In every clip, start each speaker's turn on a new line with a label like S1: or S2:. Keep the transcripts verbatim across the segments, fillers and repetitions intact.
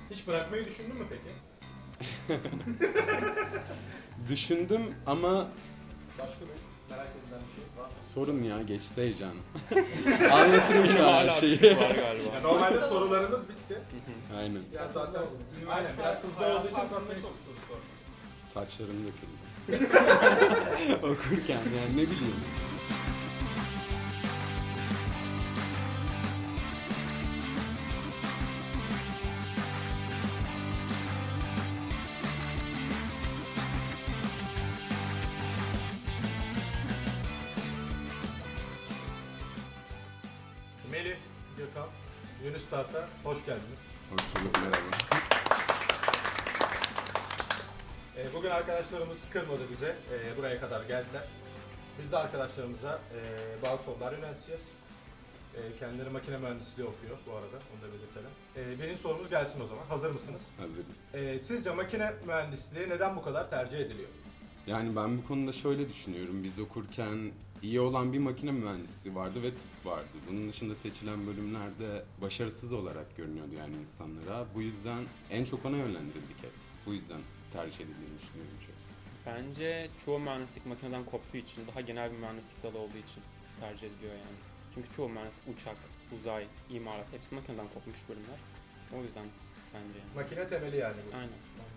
S1: Hiç bırakmayı düşündün mü peki?
S2: Düşündüm ama
S1: Başka bir merak edilen bir şey var mı?
S2: sorun ya, geçti heyecan. Anlatırım şu an her
S3: Hala
S2: şeyi.
S3: bir var galiba.
S1: Ya normalde sorularımız bitti.
S2: Aynen.
S1: Yani zaten aynen biraz hızlı olduğu için zaten çok soru sor.
S2: Saçlarım döküldü. Okurken yani ne bileyim.
S1: Melih, Gökhan, Yunus Start'a hoş geldiniz.
S2: Hoş bulduk, merhaba.
S1: Ee, bugün arkadaşlarımız kırmadı bize, ee, buraya kadar geldiler. Biz de arkadaşlarımıza ee, bazı sorular yönelteceğiz. Ee, kendileri makine mühendisliği okuyor bu arada, onu da belirtelim. Ee, birinci sorumuz gelsin o zaman. Hazır mısınız?
S2: Hazır.
S1: Ee, sizce makine mühendisliği neden bu kadar tercih ediliyor?
S2: Yani ben bu konuda şöyle düşünüyorum. Biz okurken iyi olan bir makine mühendisliği vardı ve tıp vardı. Bunun dışında seçilen bölümlerde başarısız olarak görünüyordu yani insanlara. Bu yüzden en çok ona yönlendirildik hep. Bu yüzden tercih edildiğini düşünüyorum çok.
S3: Bence çoğu mühendislik makineden koptuğu için, daha genel bir mühendislik dalı olduğu için tercih ediliyor yani. Çünkü çoğu mühendislik uçak, uzay, imarat hepsi makineden kopmuş bölümler. O yüzden bence yani.
S1: Makine temeli yani bu.
S3: Aynen.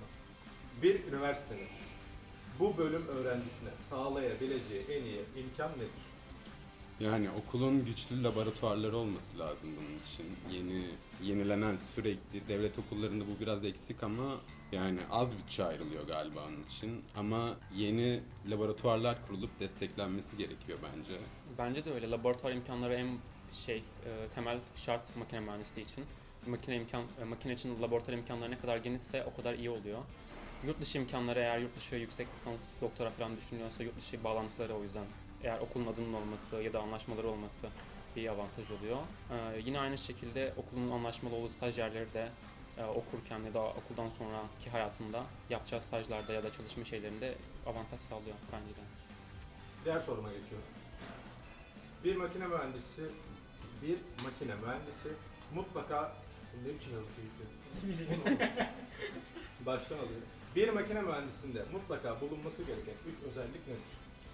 S1: Bir üniversitenin bu bölüm öğrencisine sağlayabileceği en iyi imkan nedir?
S2: Yani okulun güçlü laboratuvarları olması lazım bunun için. Yeni yenilenen sürekli devlet okullarında bu biraz eksik ama yani az bütçe ayrılıyor galiba onun için. Ama yeni laboratuvarlar kurulup desteklenmesi gerekiyor bence.
S3: Bence de öyle. Laboratuvar imkanları en şey e, temel şart makine mühendisliği için. Makine imkan e, makine için laboratuvar imkanları ne kadar genişse o kadar iyi oluyor. Yurt dışı imkanları, eğer yurt dışı yüksek lisans, doktora falan düşünüyorsa yurt dışı bağlantıları, o yüzden eğer okulun adının olması ya da anlaşmaları olması bir avantaj oluyor. Ee, yine aynı şekilde okulun anlaşmalı olduğu stajyerleri de e, okurken ya da okuldan sonraki hayatında yapacağı stajlarda ya da çalışma şeylerinde avantaj sağlıyor bence de.
S1: Diğer soruma geçiyorum. Bir makine mühendisi, bir makine mühendisi mutlaka ne biçim bir şey Baştan alıyorum. Bir makine mühendisinde mutlaka bulunması gereken üç özellik nedir?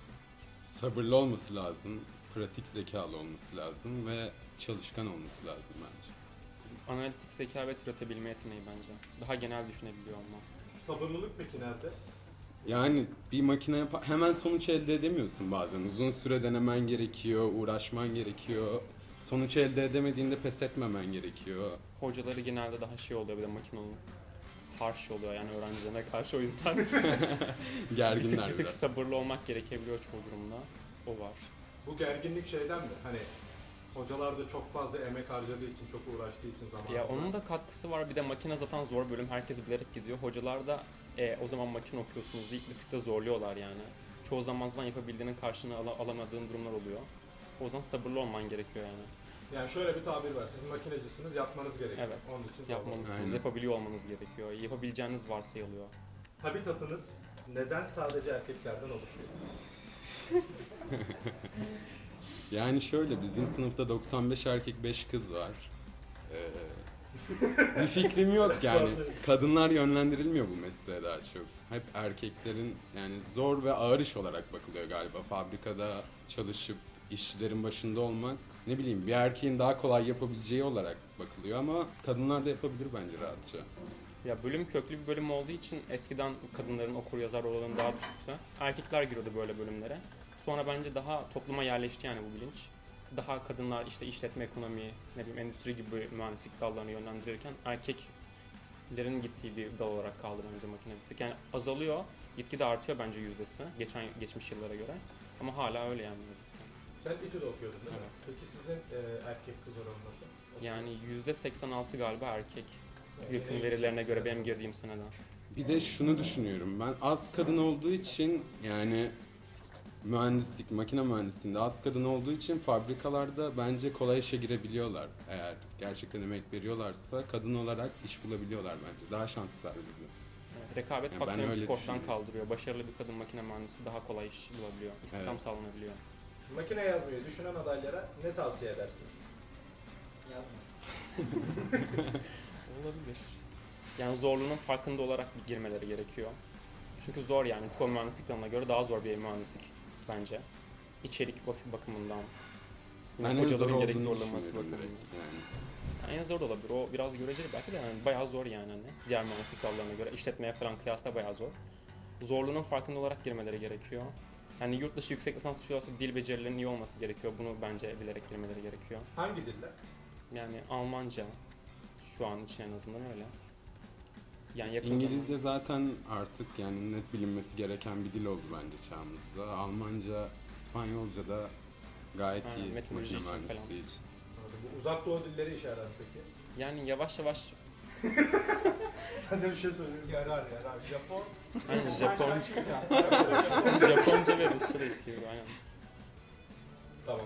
S2: Sabırlı olması lazım, pratik zekalı olması lazım ve çalışkan olması lazım bence.
S3: Analitik zeka ve türetebilme yeteneği bence. Daha genel düşünebiliyor olma.
S1: Sabırlılık peki nerede?
S2: Yani bir makine yap- hemen sonuç elde edemiyorsun bazen. Uzun süre denemen gerekiyor, uğraşman gerekiyor. Sonuç elde edemediğinde pes etmemen gerekiyor.
S3: Hocaları genelde daha şey oluyor, bir de makinonun harsh oluyor yani öğrencilerine karşı, o yüzden bir tık,
S2: Gerginler
S3: bir tık
S2: biraz.
S3: sabırlı olmak gerekebiliyor çoğu durumda. O var.
S1: Bu gerginlik şeyden mi? Hani hocalar da çok fazla emek harcadığı için, çok uğraştığı için zamanında.
S3: Ya onun da katkısı var. Bir de makine zaten zor bölüm. Herkes bilerek gidiyor. Hocalar da e, o zaman makine okuyorsunuz deyip bir tık da zorluyorlar yani. Çoğu zaman zaten yapabildiğinin karşılığını ala- alamadığın durumlar oluyor. O yüzden sabırlı olman gerekiyor yani.
S1: Yani şöyle bir tabir var. Siz makinecisiniz, yapmanız gerekiyor.
S3: Evet.
S1: Onun için zorlamak.
S3: Yapmalısınız.
S2: Aynen.
S3: Yapabiliyor olmanız gerekiyor. Yapabileceğiniz varsayılıyor.
S1: Habitatınız neden sadece erkeklerden oluşuyor?
S2: Yani şöyle, bizim sınıfta doksan beş erkek beş kız var. Ee, bir fikrim yok yani. Kadınlar yönlendirilmiyor bu mesleğe daha çok. Hep erkeklerin, yani zor ve ağır iş olarak bakılıyor galiba. Fabrikada çalışıp işlerin başında olmak, ne bileyim, bir erkeğin daha kolay yapabileceği olarak bakılıyor ama kadınlar da yapabilir bence rahatça.
S3: Ya bölüm köklü bir bölüm olduğu için eskiden kadınların okur yazar oranı daha düşüktü. Erkekler giriyordu böyle bölümlere. Sonra bence daha topluma yerleşti yani bu bilinç. Daha kadınlar işte işletme, ekonomi, ne bileyim endüstri gibi mühendislik dallarını yönlendirirken erkeklerin gittiği bir dal olarak kaldı bence makine bir tık. Yani azalıyor, gitgide artıyor bence yüzdesi geçen geçmiş yıllara göre. Ama hala öyle yani yazık ki.
S1: Sen İTÜ'de okuyordun değil mi?
S3: Evet.
S1: Peki sizin e, erkek kız oranı nasıl?
S3: Yani yüzde seksen altı galiba erkek.
S1: Yani
S3: YÖK'ün
S1: en
S3: verilerine
S1: yüksek
S3: göre benim
S1: sırada.
S3: girdiğim seneden.
S2: Bir de şunu düşünüyorum ben, az kadın olduğu için, yani mühendislik, makine mühendisliğinde az kadın olduğu için fabrikalarda bence kolay işe girebiliyorlar. Eğer gerçekten emek veriyorlarsa kadın olarak iş bulabiliyorlar bence. Daha şanslılar bizi.
S3: Evet, rekabet
S2: Ya ben
S3: faktörünü bir
S2: öyle
S3: tık ortadan
S2: düşünüyorum.
S3: kaldırıyor. Başarılı bir kadın makine mühendisi daha kolay iş bulabiliyor. İstihdam
S2: Evet.
S3: sağlanabiliyor.
S1: Makine yazmayı düşünen adaylara ne tavsiye edersiniz?
S4: Yazma.
S3: Olabilir. Yani zorluğunun farkında olarak girmeleri gerekiyor. Çünkü zor yani. Çoğu mühendislik dalına göre daha zor bir mühendislik bence. İçerik bak- bakımından.
S2: Ben
S3: Yine
S2: en zor
S3: hocaların gerek
S2: olduğunu
S3: zorlaması
S2: düşünüyorum
S3: bakımından.
S2: direkt yani.
S3: Yani en zor da olabilir. O biraz göreceli belki de yani bayağı zor yani hani. Diğer mühendislik dallarına göre işletmeye falan kıyasla bayağı zor. Zorluğunun farkında olarak girmeleri gerekiyor. Yani yurt dışı yüksek lisans düşüyorsa dil becerilerinin iyi olması gerekiyor. Bunu bence bilerek girmeleri gerekiyor.
S1: Hangi diller?
S3: Yani Almanca şu an için en azından öyle. Yani yakın
S2: İngilizce zaten artık yani net bilinmesi gereken bir dil oldu bence çağımızda. Almanca, İspanyolca da gayet
S3: Aynen,
S2: iyi
S3: meteoroloji
S2: makine
S3: için
S2: mühendisliği
S3: falan.
S2: için.
S1: Bu uzak doğu dilleri işaret peki.
S3: zaman yani yavaş yavaş
S1: Sen de bir şey söylüyorsun. Yarar yarar. Japon.
S3: aynen Japon, Japonca ve Rusça da işliyor aynen.
S1: Tamam.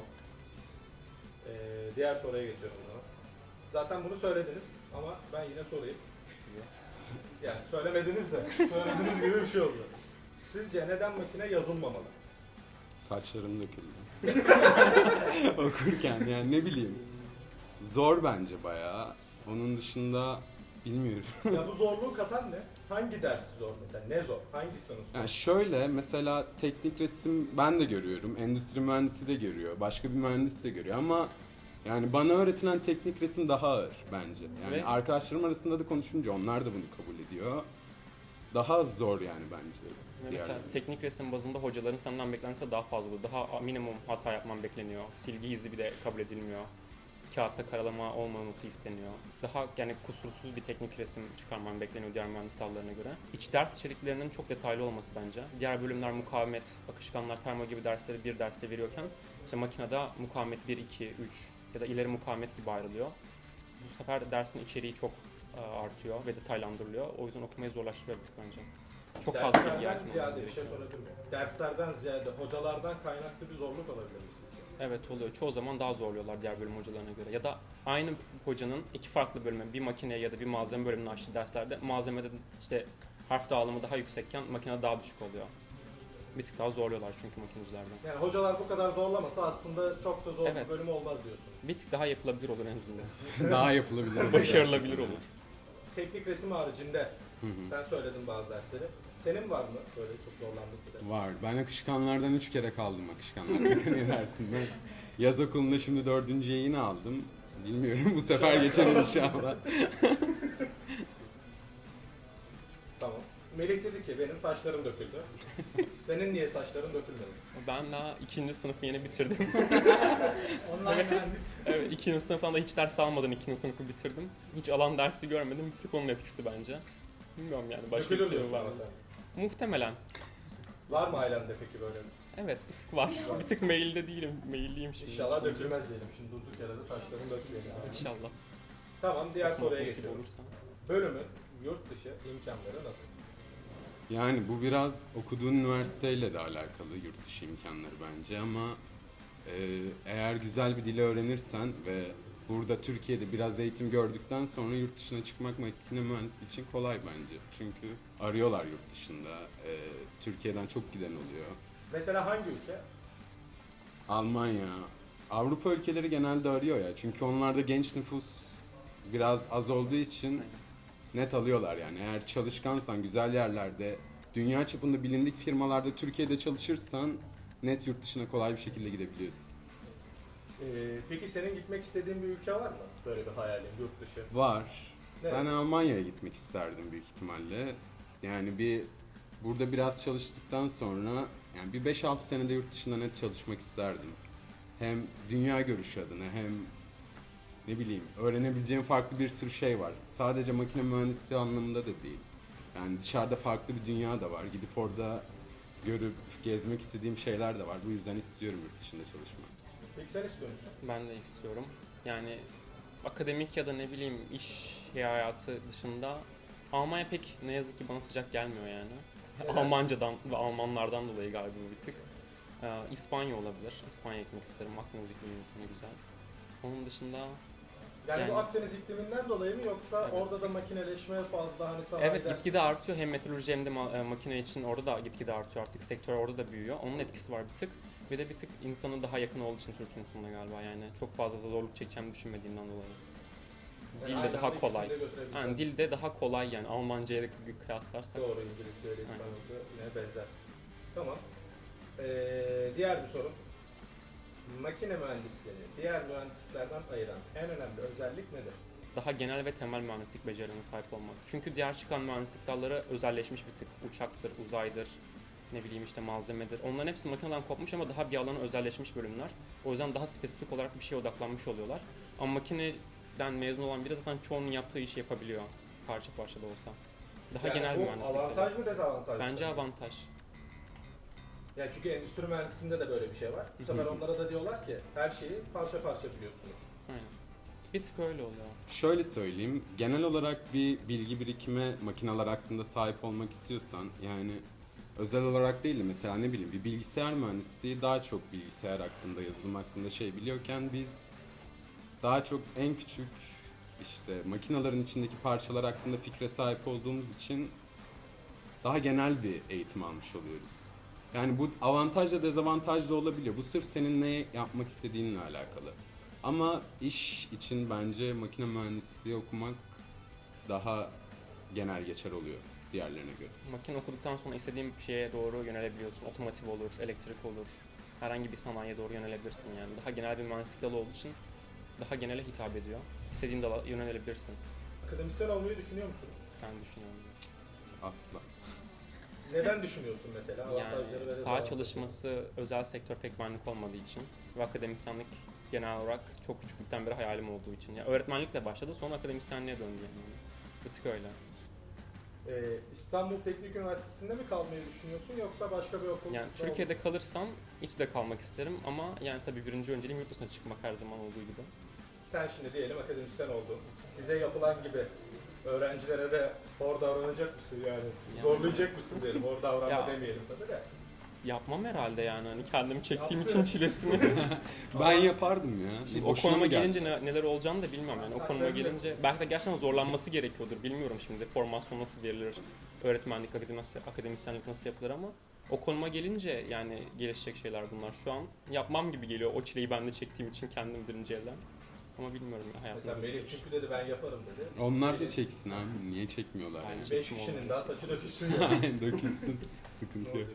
S1: Ee, diğer soruya geçiyorum o zaman. Zaten bunu söylediniz ama ben yine sorayım. Yani söylemediniz de söylediğiniz gibi bir şey oldu. Sizce neden makine yazılmamalı?
S2: Saçlarım döküldü. Okurken yani ne bileyim. Zor bence bayağı. Onun dışında bilmiyorum.
S1: Ya bu zorluğu katan ne? Hangi ders zor mesela? Ne zor? Hangi sınıf zor?
S2: Yani şöyle mesela teknik resim ben de görüyorum. Endüstri mühendisi de görüyor. Başka bir mühendis de görüyor ama yani bana öğretilen teknik resim daha ağır bence. Yani
S3: Ve-
S2: arkadaşlarım arasında da konuşunca onlar da bunu kabul ediyor. Daha zor yani bence.
S3: Ve mesela
S2: diğerleri.
S3: teknik resim bazında hocaların senden beklentisi daha fazla oluyor. Daha minimum hata yapman bekleniyor. Silgi izi bile kabul edilmiyor. Kağıtta karalama olmaması isteniyor. Daha yani kusursuz bir teknik resim çıkarman bekleniyor diğer mühendis dallarına göre. İç ders içeriklerinin çok detaylı olması bence. Diğer bölümler mukavemet, akışkanlar, termo gibi dersleri bir derste veriyorken işte makinede mukavemet bir, iki, üç ya da ileri mukavemet gibi ayrılıyor. Bu sefer dersin içeriği çok e, artıyor ve detaylandırılıyor. O yüzden okumayı zorlaştırıyor bir tık bence. Çok fazla bilgi
S1: Derslerden
S3: hakim olman
S1: ziyade bir şey
S3: gerekiyor.
S1: sorabilir miyim? Derslerden ziyade hocalardan kaynaklı bir zorluk olabilir mi sizce?
S3: Evet oluyor. Çoğu zaman daha zorluyorlar diğer bölüm hocalarına göre. Ya da aynı hocanın iki farklı bölüme, bir makine ya da bir malzeme bölümünü açtığı derslerde malzemede işte harf dağılımı daha yüksekken makine daha düşük oluyor. Bir tık daha zorluyorlar çünkü makinecilerden.
S1: Yani hocalar bu kadar zorlamasa aslında çok da zor
S3: Evet.
S1: bir bölüm olmaz diyorsunuz.
S3: Bir tık daha yapılabilir olur en azından.
S2: Daha yapılabilir.
S3: Başarılabilir
S2: gerçekten.
S3: olur.
S1: Teknik resim haricinde
S2: Hı hı.
S1: sen söyledin bazı dersleri. Senin var mı böyle çok zorlandık bir de?
S2: Var. Ben akışkanlardan üç kere kaldım akışkanlar mekaniği dersinden. Yaz okulunda şimdi dördüncüye yine aldım. Bilmiyorum bu sefer geçerim inşallah.
S1: Tamam. Melih dedi ki benim saçlarım döküldü. Senin niye saçların dökülmedi?
S3: Ben daha ikinci sınıfı yeni bitirdim.
S1: Online mühendis.
S3: Evet, ikinci sınıftan da hiç ders almadan ikinci sınıfı bitirdim. Hiç alan dersi görmedim. Bir tık onun etkisi bence. Bilmiyorum yani başka bir
S1: Dökülür
S3: sebebi
S1: diyorsun
S3: var
S1: ama
S3: mı?
S1: sen.
S3: Muhtemelen.
S1: Var mı ailende peki böyle?
S3: Evet bir tık var. Bir tık mailde değilim. Mailliyim şimdi.
S1: İnşallah dökülmez diyelim. Şimdi durduk yere de saçların dökülüyor. Yani.
S3: İnşallah.
S1: Tamam diğer soruya
S3: Nasip
S1: geçiyorum.
S3: olursa.
S1: Bölümün yurt dışı imkanları nasıl?
S2: Yani bu biraz okuduğun üniversiteyle de alakalı yurt dışı imkanları bence ama e, eğer güzel bir dili öğrenirsen ve burada Türkiye'de biraz eğitim gördükten sonra yurt dışına çıkmak makine mühendisi için kolay bence. Çünkü arıyorlar yurt dışında. E, Türkiye'den çok giden oluyor.
S1: Mesela hangi ülke?
S2: Almanya, Avrupa ülkeleri genelde arıyor ya. Çünkü onlarda genç nüfus biraz az olduğu için net alıyorlar yani. Eğer çalışkansan, güzel yerlerde, dünya çapında bilindik firmalarda Türkiye'de çalışırsan net yurt dışına kolay bir şekilde gidebiliyorsun.
S1: Ee, peki senin gitmek istediğin bir ülke var mı? Böyle bir hayalin yurt dışı.
S2: Var.
S1: Neresi?
S2: Ben Almanya'ya gitmek isterdim büyük ihtimalle. Yani bir burada biraz çalıştıktan sonra yani bir beş altı senede yurt dışında net çalışmak isterdim. Hem dünya görüşü adına hem ne bileyim öğrenebileceğim farklı bir sürü şey var. Sadece makine mühendisliği anlamında da değil. Yani dışarıda farklı bir dünya da var. Gidip orada görüp gezmek istediğim şeyler de var. Bu yüzden istiyorum yurt dışında çalışmak.
S1: Peki sen istiyor musun?
S3: Ben de istiyorum. Yani akademik ya da ne bileyim iş hayatı dışında Almanya pek ne yazık ki bana sıcak gelmiyor yani.
S1: Neden?
S3: Almancadan ve Almanlardan dolayı galiba bir tık. Ee, İspanya olabilir. İspanya gitmek isterim. Akdeniz iklimi insanı güzel. Onun dışında
S1: Yani,
S3: Yani-
S1: bu Akdeniz ikliminden dolayı mı yoksa
S3: Evet.
S1: orada da makineleşme fazla hani sanayide...
S3: evet gitgide artıyor. Hem metalurji hem de ma- e, makine için orada da gitgide artıyor artık. Sektör orada da büyüyor. Onun etkisi var bir tık. Bir de bir tık insanın daha yakın olduğu için Türk insanına galiba yani. Çok fazla zorluk çekeceğimi düşünmediğimden dolayı. dilde
S1: aynı
S3: daha
S1: anda ikisini
S3: kolay.
S1: de götürebileceğim.
S3: Yani dilde daha kolay yani Almanca'ya kıyaslarsak.
S1: Doğru, İngilizce ile İspanyolca yine benzer. Tamam. Ee, diğer bir sorum. Makine mühendisliğini diğer mühendisliklerden ayıran en önemli özellik nedir?
S3: Daha genel ve temel mühendislik becerilerine sahip olmak. Çünkü diğer çıkan mühendislik dalları özelleşmiş bir tık. Uçaktır, uzaydır, ne bileyim işte malzemedir. Onların hepsi makineden kopmuş ama daha bir alana özelleşmiş bölümler. O yüzden daha spesifik olarak bir şeye odaklanmış oluyorlar. Ama makineden mezun olan biri zaten çoğunun yaptığı işi yapabiliyor. Parça parça da olsa. Daha
S1: Yani
S3: genel
S1: bu
S3: mühendislik.
S1: avantaj mı dezavantaj mı?
S3: Bence
S1: sence?
S3: avantaj.
S1: Yani çünkü endüstri mühendisliğinde de böyle bir şey var. Bu sefer onlara da diyorlar ki her şeyi parça parça biliyorsunuz.
S3: Aynen. Bir tık öyle oluyor.
S2: Şöyle söyleyeyim, genel olarak bir bilgi birikime makineler hakkında sahip olmak istiyorsan, yani özel olarak değil de mesela ne bileyim bir bilgisayar mühendisi daha çok bilgisayar hakkında, yazılım hakkında şey biliyorken biz daha çok en küçük işte makinelerin içindeki parçalar hakkında fikre sahip olduğumuz için daha genel bir eğitim almış oluyoruz. Yani bu avantajla dezavantaj da olabiliyor. Bu sırf senin ne yapmak istediğinle alakalı. Ama iş için bence makine mühendisliği okumak daha genel geçer oluyor diğerlerine göre.
S3: Makine okuduktan sonra istediğin bir şeye doğru yönelebiliyorsun. Otomotiv olur, elektrik olur. Herhangi bir sanayiye doğru yönelebilirsin yani. Daha genel bir mühendislik dalı olduğu için daha genele hitap ediyor. İstediğin dala yönelebilirsin.
S1: Akademisyen olmayı düşünüyor musunuz?
S3: Ben düşünüyorum.
S2: Asla.
S1: Neden düşünüyorsun mesela? Avantajları ve
S3: Yani saha
S1: dezavantajları.
S3: çalışması özel sektör pek benlik olmadığı için ve akademisyenlik genel olarak çok küçüklükten beri hayalim olduğu için. Yani öğretmenlikle başladı, sonra akademisyenliğe döndü yani. Bir tık öyle.
S1: Ee, İstanbul Teknik Üniversitesi'nde mi kalmayı düşünüyorsun yoksa başka bir okul?
S3: Yani Türkiye'de kalırsam İTÜ'de kalmak isterim ama yani tabii birinci önceliğim yurt dışına çıkmak her zaman olduğu gibi.
S1: Sen şimdi diyelim akademisyen oldun. Size yapılan gibi öğrencilere de hor davranacak mısın yani?
S3: Yani-
S1: Zorlayacak mısın diyelim, hor davranma
S3: Ya-
S1: demeyelim tabii de.
S3: Yapmam herhalde yani hani kendimi çektiğim
S1: Yaptı.
S3: için çilesini.
S2: Ben yapardım ya.
S3: Şimdi o
S2: Boşuna
S3: konuma
S2: mı geldi?
S3: gelince ne- neler olacağını da bilmiyorum yani. O
S1: Sen
S3: konuma
S1: söyle.
S3: gelince belki de gerçekten zorlanması gerekiyordur. Bilmiyorum şimdi formasyon nasıl verilir, öğretmenlik, akademisyenlik, akademisyenlik nasıl yapılır ama o konuma gelince yani gelişecek şeyler bunlar. Şu an yapmam gibi geliyor o çileyi ben de çektiğim için kendim birinci elden. Ama bilmiyorum ya hayatımda.
S1: Mesela Melih çünkü dedi ben yaparım dedi.
S2: Onlar da
S1: Melih-
S2: çeksin abi. Niye çekmiyorlar?
S3: Aynen.
S2: Yani?
S1: Beş
S3: Çekim
S1: kişinin
S3: oldu.
S1: daha saçı dökülsün ya.
S2: Aynen dökülsün. Sıkıntı yok.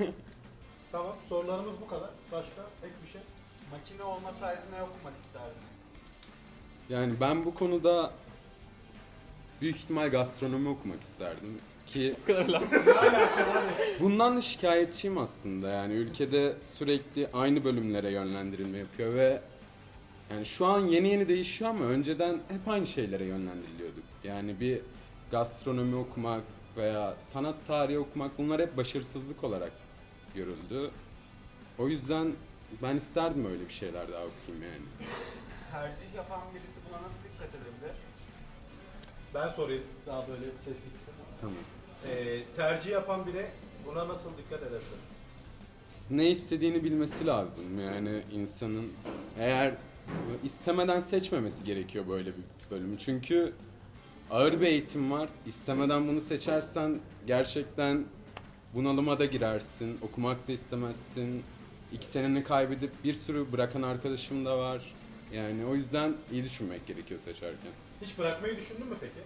S1: Tamam, sorularımız bu kadar. Başka ek bir şey?
S4: Makine olmasaydı ne okumak isterdiniz?
S2: Yani ben bu konuda büyük ihtimal gastronomi okumak isterdim ki
S3: Bu kadar laf.
S2: bundan da şikayetçiyim aslında. Yani ülkede sürekli aynı bölümlere yönlendirilme yapıyor ve yani şu an yeni yeni değişiyor ama önceden hep aynı şeylere yönlendiriliyorduk. Yani bir gastronomi okumak veya sanat tarihi okumak bunlar hep başarısızlık olarak görüldü. O yüzden ben isterdim öyle bir şeyler daha okuyayım yani.
S4: Tercih yapan birisi buna nasıl dikkat edebilir?
S1: Ben sorayım daha böyle ses gitsin.
S2: Tamam.
S1: Ee, tercih yapan biri buna nasıl dikkat edebilir?
S2: Ne istediğini bilmesi lazım yani insanın. Eğer istemeden seçmemesi gerekiyor böyle bir bölümü. Çünkü ağır bir eğitim var. İstemeden bunu seçersen gerçekten bunalıma da girersin. Okumak da istemezsin. İki seneni kaybedip bir sürü bırakan arkadaşım da var. Yani o yüzden iyi düşünmek gerekiyor seçerken.
S1: Hiç bırakmayı düşündün mü peki?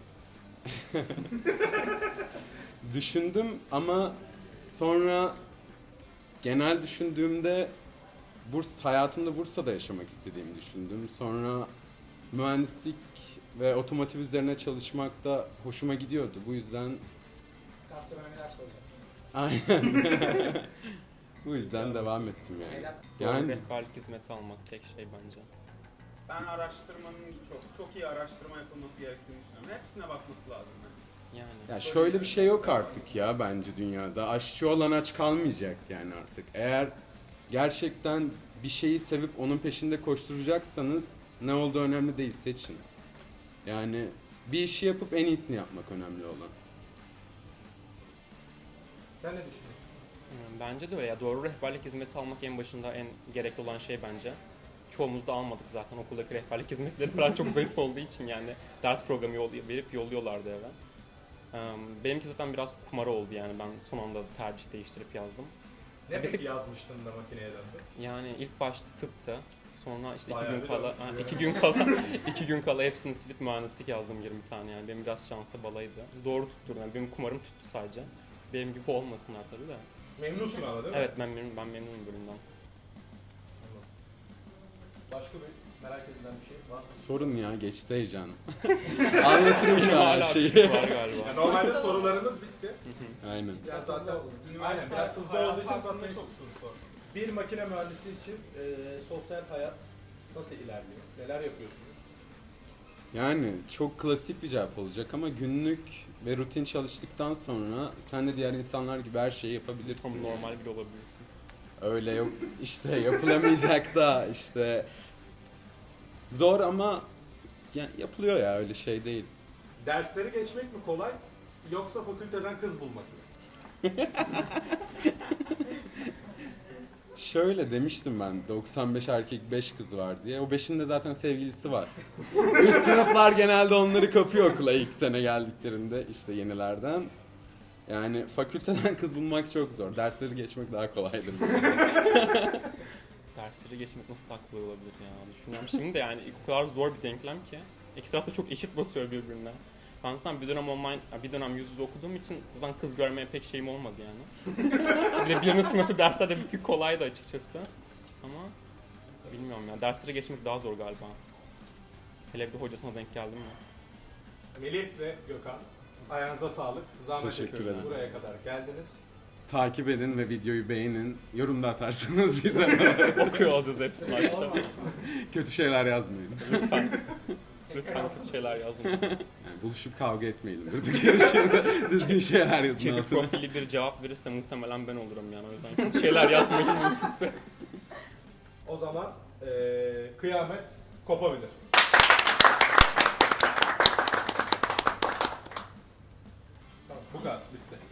S2: Düşündüm ama sonra genel düşündüğümde Burs hayatımda Bursa'da yaşamak istediğimi düşündüm. Sonra mühendislik ve otomotiv üzerine çalışmak da hoşuma gidiyordu. Bu yüzden
S5: Gastronomi ders olacak.
S2: aynen. Bu yüzden devam ettim yani.
S5: Neden?
S3: Doğru
S2: Yani
S3: rehberlik hizmeti almak tek şey bence.
S4: Ben araştırmanın çok çok iyi araştırma yapılması gerektiğini düşünüyorum. Hepsine bakması lazım. Yani.
S3: Yani.
S2: ya şöyle bir şey yok artık ya bence dünyada. Aşçı olan aç kalmayacak yani artık. Eğer gerçekten bir şeyi sevip onun peşinde koşturacaksanız ne olduğu önemli değil, seçin. Yani bir işi yapıp en iyisini yapmak önemli olan.
S1: Sen ne düşünüyorsun?
S3: Yani bence de öyle ya. Doğru rehberlik hizmeti almak en başında en gerekli olan şey bence. Çoğumuz da almadık zaten okuldaki rehberlik hizmetleri falan çok zayıf olduğu için yani ders programı yol, verip yolluyorlardı eve. Eee, Benimki zaten biraz kumara oldu yani ben son anda tercih değiştirip yazdım.
S1: Ne
S3: Bir
S1: peki
S3: tık-
S1: yazmıştın da makineye döndün?
S3: Yani ilk başta tıptı, Sonra işte iki
S1: Bayağı
S3: gün
S1: bir
S3: kala,
S1: dönmüşsün
S3: ha,
S1: ya.
S3: iki gün kala, iki gün kala hepsini silip mühendislik yazdım yirmi tane yani. Benim biraz şansa balaydı. Doğru tutturdum yani. Benim kumarım tuttu sadece. Benim gibi olmasınlar tabii de.
S1: Memnunsun ama değil mi?
S3: Evet ben memnunum, ben memnunum bölümden.
S1: Anladım. Başka bir merak edilen bir şey var mı?
S2: Sorun ya, geçti heyecan. Anlatırım şu an her
S3: Hala bir
S2: şeyi.
S3: tık var galiba.
S1: Ya normalde sorularımız bitti.
S2: Aynen.
S1: Biraz
S5: Biraz
S1: zaten
S5: hızlı oldu.
S1: aynen biraz hızlı olduğu için
S4: hakkında
S1: zaten
S4: çok soru sor.
S1: bir makine mühendisi için e, sosyal hayat nasıl ilerliyor? Neler yapıyorsunuz?
S2: Yani çok klasik bir cevap olacak ama günlük ve rutin çalıştıktan sonra sen de diğer insanlar gibi her şeyi yapabilirsin.
S3: Tam
S2: yani.
S3: normal bile olabilirsin.
S2: Öyle yok işte, yapılamayacak da işte zor ama ya- yapılıyor ya, öyle şey değil.
S1: Dersleri geçmek mi kolay yoksa fakülteden kız bulmak mı?
S2: Şöyle demiştim ben, doksan beş erkek beş kız var diye. O beşin de zaten sevgilisi var. Üst sınıflar genelde onları kapıyor okula ilk sene geldiklerinde, işte yenilerden. Yani fakülteden kız bulmak çok zor. Dersleri geçmek daha kolaydır.
S3: Dersleri geçmek nasıl daha kolay olabilir ya? Düşünüyorum şimdi de yani o kadar zor bir denklem ki. İki taraf da çok eşit basıyor birbirine. Ben zaten bir dönem online, bir dönem yüz yüze okuduğum için zaten kız görmeye pek şeyim olmadı yani. Bir de birinci sınıfta dersler de bir tık kolaydı açıkçası. Ama bilmiyorum ya, dersleri geçmek daha zor galiba. Hele bir de hocasına denk geldim mi?
S1: Melih ve Gökhan, ayağınıza sağlık. Zahmet
S2: Teşekkür
S1: ediyoruz.
S2: ederim.
S1: Buraya kadar geldiniz.
S2: Takip edin ve videoyu beğenin. Yorumda atarsınız bize.
S3: Okuyor olacağız hepsini akşam.
S2: Kötü şeyler yazmayın.
S3: Lütfen kötü şeyler yazmayın.
S2: Yani buluşup kavga etmeyelim. Durduk yere şimdi düzgün şeyler yazın
S3: Kedi
S2: altına.
S3: profili bir cevap verirse muhtemelen ben olurum yani. O yüzden kötü şeyler yazmayın mümkünse.
S1: O zaman eee, kıyamet kopabilir. Tamam, bu kadar. Bitti.